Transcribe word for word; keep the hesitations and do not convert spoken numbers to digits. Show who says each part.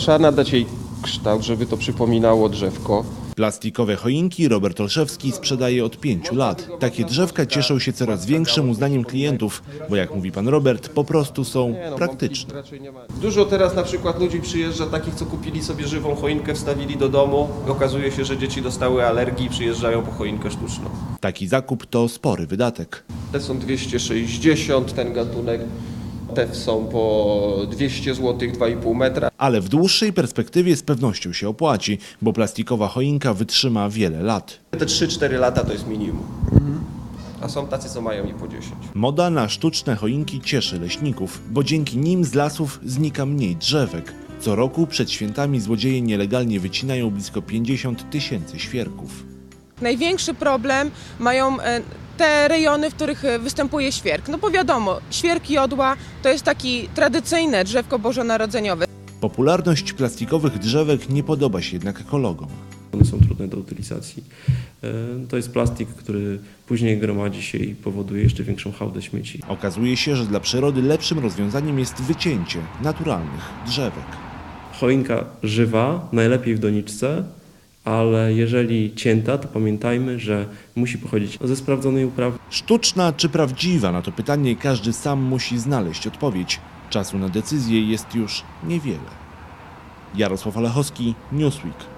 Speaker 1: trzeba nadać jej kształt, żeby to przypominało drzewko.
Speaker 2: Plastikowe choinki Robert Olszewski sprzedaje od pięciu lat. Takie drzewka cieszą się coraz większym uznaniem klientów, bo jak mówi pan Robert, po prostu są praktyczne.
Speaker 1: Dużo teraz na przykład ludzi przyjeżdża takich, co kupili sobie żywą choinkę, wstawili do domu. Okazuje się, że dzieci dostały alergii i przyjeżdżają po choinkę sztuczną.
Speaker 2: Taki zakup to spory wydatek.
Speaker 1: Te są dwieście sześćdziesiąt, ten gatunek. Te są po dwieście złotych, dwa i pół metra.
Speaker 2: Ale w dłuższej perspektywie z pewnością się opłaci, bo plastikowa choinka wytrzyma wiele lat.
Speaker 1: Te trzy cztery lata to jest minimum. A są tacy, co mają i po dziesięć.
Speaker 2: Moda na sztuczne choinki cieszy leśników, bo dzięki nim z lasów znika mniej drzewek. Co roku przed świętami złodzieje nielegalnie wycinają blisko pięćdziesiąt tysięcy świerków.
Speaker 3: Największy problem mają te rejony, w których występuje świerk. No bo wiadomo, świerk jodła to jest taki tradycyjne drzewko bożonarodzeniowe.
Speaker 2: Popularność plastikowych drzewek nie podoba się jednak ekologom.
Speaker 4: One są trudne do utylizacji. To jest plastik, który później gromadzi się i powoduje jeszcze większą hałdę śmieci.
Speaker 2: Okazuje się, że dla przyrody lepszym rozwiązaniem jest wycięcie naturalnych drzewek.
Speaker 4: Choinka żywa, najlepiej w doniczce, ale jeżeli cięta, to pamiętajmy, że musi pochodzić ze sprawdzonej uprawy.
Speaker 2: Sztuczna czy prawdziwa? Na to pytanie każdy sam musi znaleźć odpowiedź. Czasu na decyzję jest już niewiele. Jarosław Olechowski, Newsweek.